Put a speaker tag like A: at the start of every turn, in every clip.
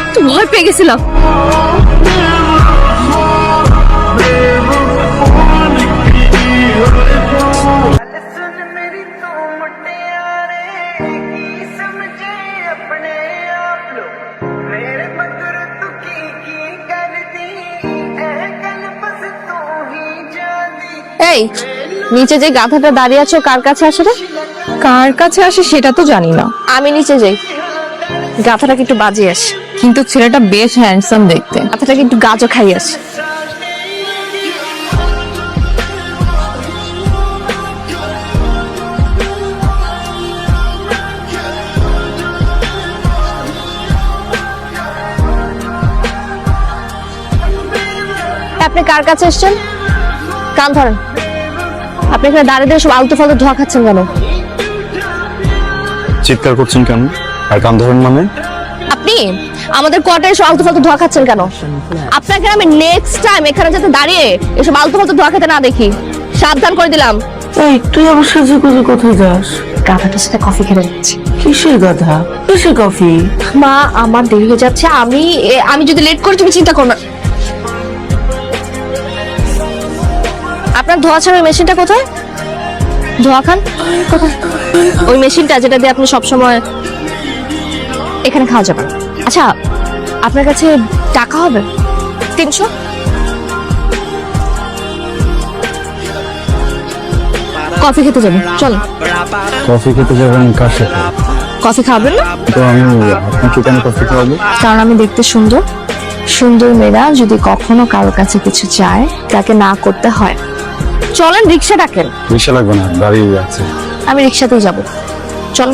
A: তো ভয় পেয়ে গেছিলাম। এই নিচে যে গাধাটা দাঁড়িয়ে আছো কার কাছে আসে রে?
B: কার কাছে আসে সেটা তো জানি না,
A: আমি নিচে যাই, গাধাটাকে একটু বাজিয়ে আসি।
B: কিন্তু ছেলেটা বেশ হ্যান্ডসাম দেখতে।
A: গাধাটাকে একটু গাজও খাই আসি। আপনি কার কাছে এসছেন? কান ধরেন। আপনি এখানে দাঁড়িয়ে দিয়ে সব আলতু ফালতু ধোয়া খাচ্ছেন কেন?
C: চিৎকার করছেন কেন আর কান ধরেন মানে?
A: আপনি আমাদের কোয়ার্টারে এসব আলতু ফালতু ধোয়া খাচ্ছেন কেন? আপনাকে আমি নেক্সট টাইম এখানে যাতে দাঁড়িয়ে এসব আলতু ফালতু ধোয়া খেতে না দেখি, সাবধান করে দিলাম।
D: এই তুই আমার সাথে করে কোথায় যাস?
A: গাধাটার সাথে কফি খেতে যাচ্ছি।
D: কিসের গাধা? কিসের কফি?
A: মা আমার দেরি হয়ে যাচ্ছে, আমি যদি লেট করি তুমি চিন্তা করো না। আপনার ধোয়া ছাড়ার মেশিনটা কোথায়? ধোয়া খান কোথায়? ওই মেশিনটা যেটা দিয়ে আপনি সবসময় এখানে খাওয়া যাবেন। আচ্ছা আপনার কাছে টাকা হবে 300? কফি খেতে যাবেন, চল।
C: কফি খেতে যাবেন কার সাথে?
A: কফি খাবেন না?
C: তো আমি আপনাকে কেন কফি খাওয়াবো?
A: কারণ আমি দেখতে সুন্দর। সুন্দর মেয়েরা যদি কখনো কারো কাছে কিছু চায় তাকে না করতে হয়। চলেন রিক্সা ডাকেন।
C: রিক্সা লাগবে না, গাড়ি আছে।
A: আমি রিক্সাতেই যাব, চল।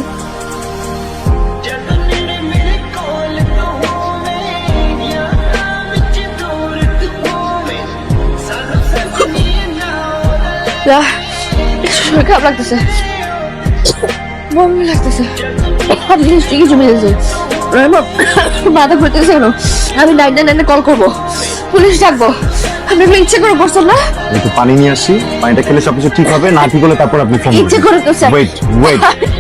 A: শরীর খারাপ লাগতেছে, বমি লাগতেছে, সব জিনিস ঠিকই জমে যাচ্ছে। মাথা ঘুরতেছে কেন? আমি 999 কল করবো, পুলিশ ডাকবো। আপনি ইচ্ছে করে করছেন না?
C: একটু পানি নিয়ে আসি, পানিটা খেলে সবকিছু ঠিক হবে, না ঠিক হলে তারপর আপনি ফোন
A: ইচ্ছে করে করছেন।
C: Wait wait.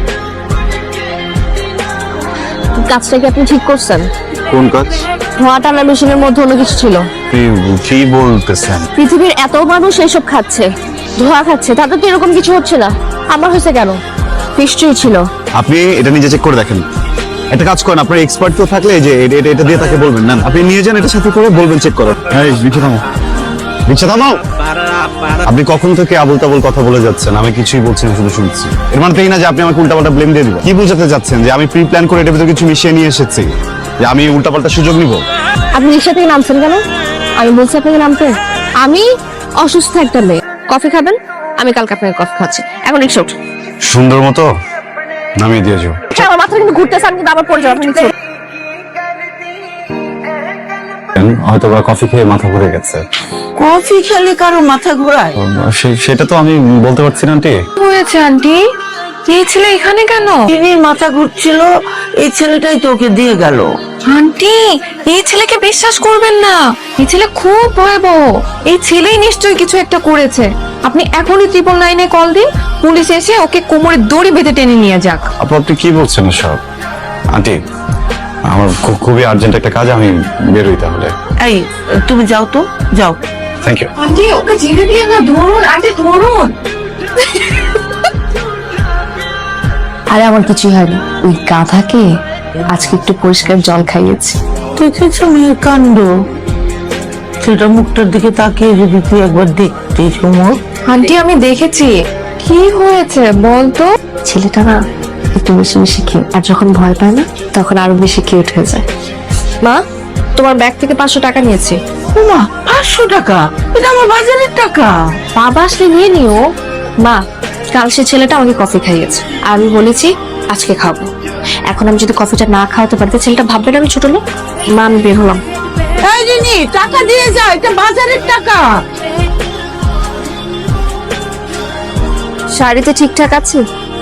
A: কাজটা কি আপনি ঠিক করছেন?
C: কোন কাজ?
A: ধোঁয়া টানা মেশিনের মধ্যে অন্য কিছু ছিল।
C: কি বলতেছেন?
A: পৃথিবীর এত মানুষ এইসব খাচ্ছে, ধোঁয়া খাচ্ছে, তাদের তো এরকম কিছু হচ্ছে না, আমার হয়েছে কেন? নিশ্চয়ই ছিল।
C: আপনি এটা নিজে চেক করে দেখেন। একটা কাজ করেন, আপনার এক্সপার্ট তো থাকলে যে এটা দিয়ে তাকে বলবেন না, আপনি নিয়ে যান, এটা সাথে করে বলবেন চেক করো। এই রিক্সা থামাও, রিক্সা থামাও। আপনি কখন থেকে আবল তাবল কথা বলে যাচ্ছেন, আমি কিছুই বলছি না, শুধু শুনছি। এর মানে তাই না যে আপনি আমাকে উল্টাপাল্টা ব্লেম দিয়ে দিবেন? কি বোঝাতে যাচ্ছেন যে আমি প্রি প্ল্যান করে এটার ভিতরে কিছু মিশিয়ে নিয়ে এসেছি, যে আমি উল্টাপাল্টা সুযোগ নিব?
A: আপনি রিক্সা থেকে নামছেন কেন? আমি বলছি আপনাকে নামতে। আমি অসুস্থ একটা মেয়ে, কফি খাবেন? আমি কালকে আপনাকে কফি খাচ্ছি, এখন রিক্সা উঠুন।
C: সুন্দর মতো নামিয়ে দিয়ে যাও।
A: আমার মাথা কিন্তু ঘুরতেছে, আমি কিন্তু আবার পড়ে যাবো। আপনি নিচে
C: হয়তো বা কফি খেয়ে মাথা ঘুরে গেছে।
D: কফি খেলে কারো মাথা ঘোরায়?
C: সেটা তো আমি বলতে পারছি না আন্টি।
B: হয়েছে আন্টি? এই ছেলে এখানে কেন?
D: চিনির মাথা ঘুরছিল, এই ছেলেটাই তোকে দিয়ে গেল।
B: আন্টি এই ছেলেকে বিশ্বাস করবেন না, এই ছেলে খুব ভয়াবহ। এই ছেলেই নিশ্চয়ই কিছু একটা করেছে। আপনি এখনই 999 কল দিন, পুলিশ এসে ওকে কোমরে দড়ি বেঁধে টেনে নিয়ে যাক।
C: আপনি কি বলছেন সব? আন্টি আমার খুবই আর্জেন্ট একটা কাজ, আমি বেরোই তাহলে।
D: এই তুমি যাও তো, যাও।
C: Thank you.
B: আন্টি ওকে ছেড়ে দিয়ে না, ধরুন আন্টি ধরুন।
A: আরে আমার কিছুই হয়নি, ওই গাধাকে আজকে একটু পরিষ্কার জল খাইয়েছি।
D: দেখেছো মেয়ের কাণ্ড? সেটা মুখটার দিকে তাকিয়ে যদি তুই একবার দেখতে চুমুক।
B: আন্টি আমি দেখেছি। কি হয়েছে বলতো?
A: ছেলেটা না একটু বেশি বেশি কিউট, আর যখন ভয় পায় না তখন আরো বেশি কিউট হয়ে যায়। মা তোমার ব্যাগ থেকে 500 টাকা নিয়েছি।
D: মা 500 টাকা? এটা আমার বাজারের টাকা।
A: বাবা আসলে নিয়ে নিও। মা কাল সে ছেলেটা আমাকে কফি খাইয়েছে, আর আমি বলেছি আজকে খাবো। এখন আমি যদি কফিটা না খাওয়াতে পারি ছেলেটা ভাববে না আমি ছোট লোক। মা আমি বের হলাম।
D: এই রিনি টাকা দিয়ে যা, এটা বাজারের টাকা।
A: শাড়িতে ঠিকঠাক আছে?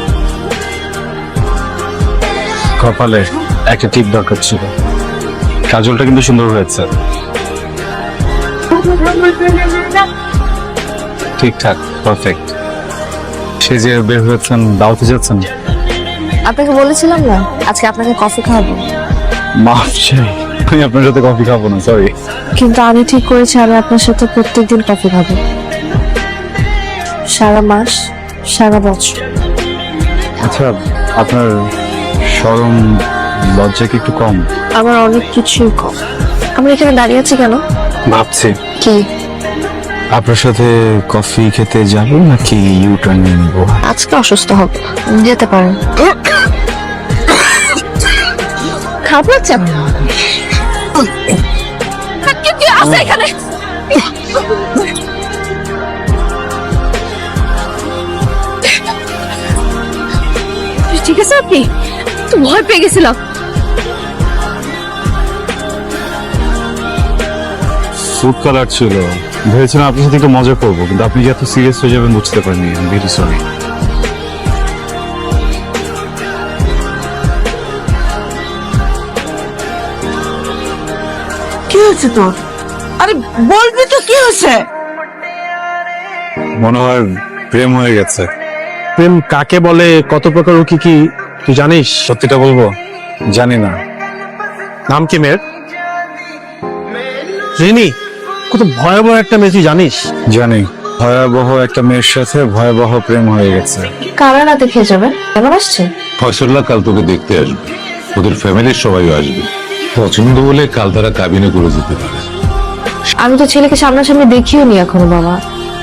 C: কপালে একটা টিপ দরকার ছিল, কাজলটা কিন্তু সুন্দর হয়েছে। ঠিকঠাক, পারফেক্ট। সে যে বের হয়েছেন, দাওয়াতে যাচ্ছেন?
A: আপনাকে বলেছিলাম না আজকে আপনাকে কফি খাওয়াবো।
C: মাফ চাই। আমি আপনার সাথে কফি খাবো না, সরি।
A: কিন্তু আমি ঠিক করেছি আমি আপনার সাথে প্রত্যেকদিন কফি খাবো, সারা মাস, সারা বছর।
C: আচ্ছা, আপনার শরম লজ্জা কি একটু কম?
A: আমার অনেক কিছুই কম। আমরা এখানে দাঁড়িয়ে আছি কেন?
C: ভাবছি
A: কি
C: আপনার সাথে কফি খেতে যাবো নাকি ইউ টার্ন নিয়ে নিবো।
A: আজকে অসুস্থ হবে, যেতে পারেন। খারাপ লাগছে আপনার? কি আছে এখানে? ঠিক আছে, আপনি তো ভয় পেয়ে গেছিলাম।
C: ফুড কালার ছিল, ভেবেছিলাম আপনার সাথে একটু মজা করবো, কিন্তু আপনি যে এত সিরিয়াস হয়ে যাবেন বুঝতে পারিনি। Very sorry.
D: কি হয়েছে তোর? আরে বলবি তো কি হয়েছে?
C: মনে হয় প্রেম হয়ে গেছে।
E: প্রেম কাকে বলে, কত প্রকার ও কি কি তুই জানিস?
C: সত্যিটা বলবো, জানি না।
E: নাম কি মেয়ের? রিনি। কত ভয়াবহ একটা মেয়ে, তুই জানিস?
C: জানি, ভয়াবহ একটা মেয়ের সাথে ভয়াবহ প্রেম হয়ে গেছে।
A: কারা রাতে খেয়ে যাবে? কেমন আসছে?
F: ফয়সল্লা কাল তোকে দেখতে আসবে, ওদের ফ্যামিলির সবাই আসবে। পছন্দ হলে কাল তারা কাবিনে করে যেতে পারে।
A: আমি তো ছেলেকে সামনাসামনি দেখিও নি এখনো বাবা।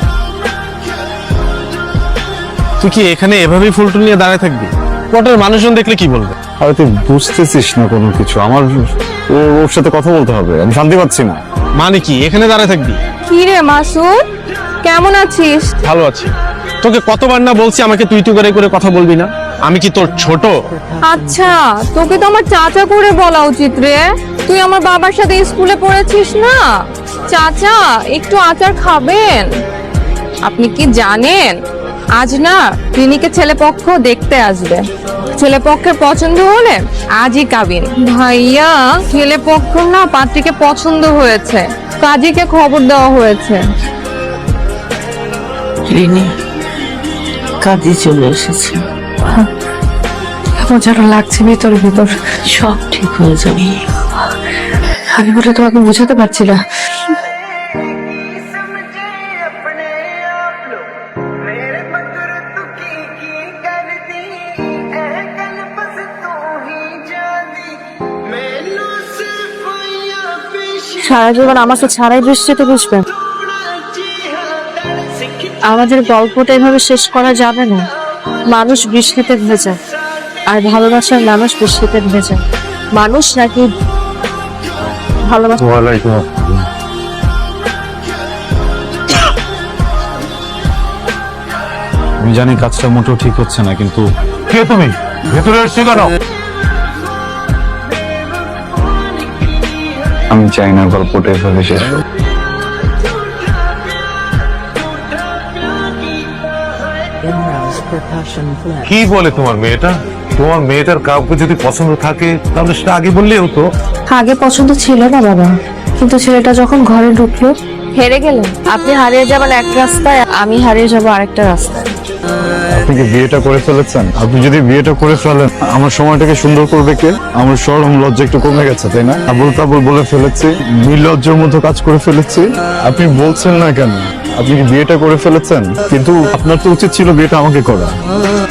E: তুই কি এখানে এভাবেই ফুলটুল নিয়ে দাঁড়ায় থাকবি? পটের মানুষজন দেখলে কি বলবে?
C: আরে তুই বুঝতেছিস না কোনো কিছু। আমার ওর সাথে কথা বলতে হবে, আমি শান্তি পাচ্ছি না।
E: মানে কি এখানে দাঁড়ায় থাকবি?
B: কি রে মাসুদ, কেমন আছিস?
E: ভালো আছি। তোকে কতবার না বলছি আমাকে তুই তুই করে কথা বলবি না? আমি কি তোর ছোট?
B: আচ্ছা, তোকে তো আমার চাচা করে বলা উচিত রে। তুই আমার বাবার সাথে স্কুলে পড়েছিস না? চাচা, একটু আচার খাবেন? আপনি কি জানেন আজ না ক্লিনিকে ছেলেপক্ষ দেখতে আসবে। ছেলেপক্ষের পছন্দ হলে আজই কাবিন। ভাইয়া, ছেলেপক্ষ না পাত্রীকে পছন্দ হয়েছে, কাজীকে খবর দেওয়া হয়েছে।
D: রিনি, কাজে চলে এসেছে।
A: কেমন যেন লাগছে ভিতর ভিতর।
D: সব ঠিক হয়ে যাবে।
A: আমি বলে তোমাকে বোঝাতে পারছি না। সারা জীবন আমাকে ছাড়াই বৃষ্টিতে বুঝবেন? আমাদের গল্পটা এভাবে শেষ করা যাবে না। মানুষ বৃষ্টিতে ভেজা, আর ভালোবাসার মানুষ বৃষ্টিতে ভেজা। মানুষ নাকি ভালোবাসা?
C: আমি জানি কাজটা মোটেও ঠিক হচ্ছে না, কিন্তু
F: কে তুমি? ভেতরে এসছো কেন?
C: আমি চাই না গল্পটা এভাবে শেষ হোক।
F: কি বলে তোমার মেয়েটা? তোমার মেয়েটার কাউকে যদি পছন্দ থাকে তাহলে সেটা আগে বললেই হতো।
A: আগে পছন্দ ছিল না বাবা, কিন্তু ছেলেটা যখন ঘরে ঢুকলো হেরে গেলেন। আপনি হারিয়ে যাবেন এক রাস্তায়, আমি হারিয়ে যাবো আরেকটা রাস্তায়।
C: আপনি কি বিয়েটা করে ফেলেছেন? আপনি যদি বিয়েটা করে ফেলেন, আমার সময়টাকে সুন্দর করবে কে? আমার শরম লজ্জা একটু কমে গেছে, তাই না? আবুল তাবুল বলে ফেলেছি, নির্লজ্জের মতো কাজ করে ফেলেছি। আপনি বলছেন না কেন? আপনি কি বিয়েটা করে ফেলেছেন? কিন্তু আপনার তো উচিত ছিল বিয়েটা আমাকে করা।